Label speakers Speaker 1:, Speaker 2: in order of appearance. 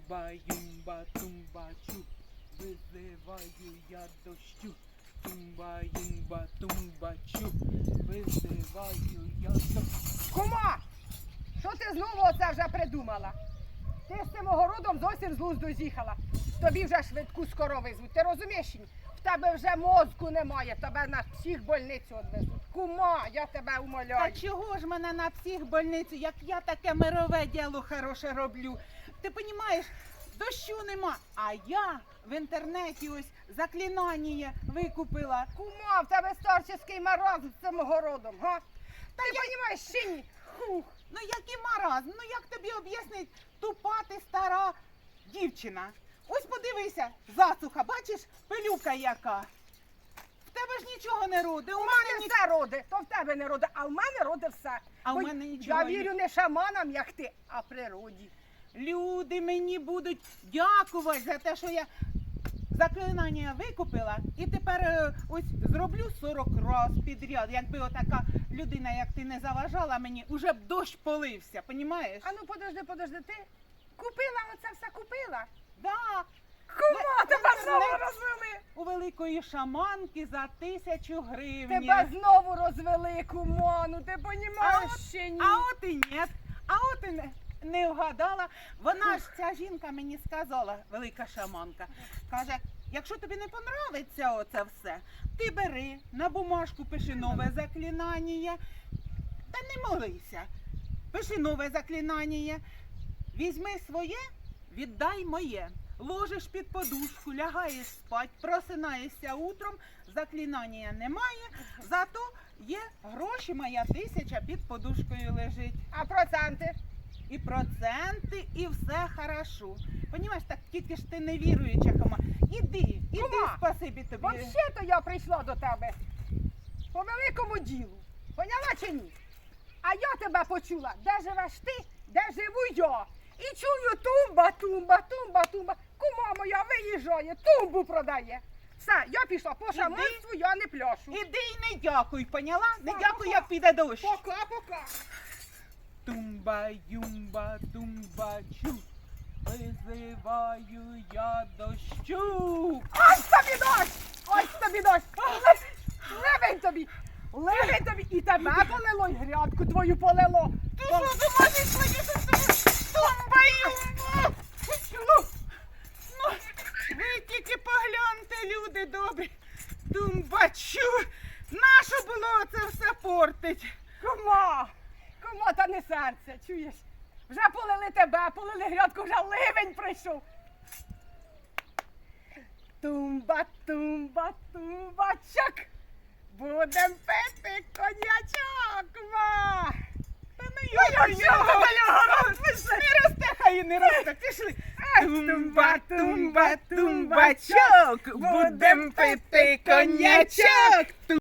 Speaker 1: Тумба-юмба, тумба-чу, визиваю я дощу. Тумба-юмба, тумба-чу, визиваю я дощу.
Speaker 2: Кума, що ти знову оце вже придумала? Ти з цим огородом зовсім з глузду з'їхала. Тобі вже швидку скоро визвуть. Ти розумієш? В тебе вже мозку немає, тебе на психбольницю відвезуть. Кума, я тебе умоляю.
Speaker 3: Та чого ж мене на психбольницю, як я таке мирове діло хороше роблю? Ти розумієш, дощу нема, а я в інтернеті ось заклинання викупила.
Speaker 2: Кума, в тебе старческий маразм з цим огородом, га? Та ти розумієш, чи ні? Хух.
Speaker 3: Ну який маразм, ну як тобі об'яснить, тупа ти стара дівчина. Ось подивися, засуха, бачиш, пилюка яка. В тебе ж нічого не роде,
Speaker 2: У мене все роди, то в тебе не роди, а в мене роди все.
Speaker 3: А в
Speaker 2: Бо
Speaker 3: мене нічого
Speaker 2: я
Speaker 3: не-
Speaker 2: вірю не шаманам, як ти, а природі.
Speaker 3: Люди мені будуть дякувати за те, що я заклинання викупила і тепер ось зроблю 40 разів підряд. Якби отака людина, як ти, не заважала мені, уже б дощ полився, понімаєш?
Speaker 2: А ну подожди, ти купила оце все, купила?
Speaker 3: Да,
Speaker 2: Кума,
Speaker 3: Ви-
Speaker 2: тебе
Speaker 3: ви
Speaker 2: знову
Speaker 3: не-
Speaker 2: розвели.
Speaker 3: у великої шаманки за 1000 гривень.
Speaker 2: Тебе знову розвели, кума, ну ти понімаєш ще ні.
Speaker 3: А от і ні, а от і не вгадала. Вона ж, ця жінка мені сказала, велика шаманка, каже, якщо тобі не подобається оце все, ти бери, на бумажку пиши нове заклинання, та не молися, пиши нове заклинання, візьми своє, віддай моє. Ложиш під подушку, лягаєш спать, просинаєшся утром, заклинання немає, зато є гроші, моя 1000 під подушкою лежить.
Speaker 2: А проценти?
Speaker 3: І проценти, і все хорошо. Понімаєш, так тільки ж ти не віруюча, Хома. Іди,
Speaker 2: Кума,
Speaker 3: спасибі тобі.
Speaker 2: Взагалі-то я прийшла до тебе по великому ділу. Поняла чи ні? А я тебе почула, де живеш ти, де живу я. І чую тумба, тумба, тумба, тумба. Кума моя виїжджає, тумбу продає. Все, я пішла по шаманству, я не пляшу.
Speaker 3: Іди і не дякуй, поняла? Не
Speaker 2: Так,
Speaker 3: дякуй,
Speaker 2: пока.
Speaker 3: як піде дощ.
Speaker 2: Пока.
Speaker 1: Тумба-юмба, тумба-чу, визиваю я дощу.
Speaker 2: Ось тобі дощ! Ось тобі дощ! Ливень тобі! Ливень тобі! І тебе полило, і грядку твою полило!
Speaker 3: Ти що, думаєш, мені тумба-юмба? Ну, ви тільки погляньте, люди добрі. Тумбачу. Нащо було це все портить?
Speaker 2: Кума! Кума, та не серце, чуєш? Вже полили тебе, полили грядку, вже ливень прийшов. Тумба, тумба, тумбачок! Будем пити коньячок, ма!
Speaker 3: Та ну не росте, хай і не росте, пішли. Тумба, тумба, тумбачок, будем пити коньячок.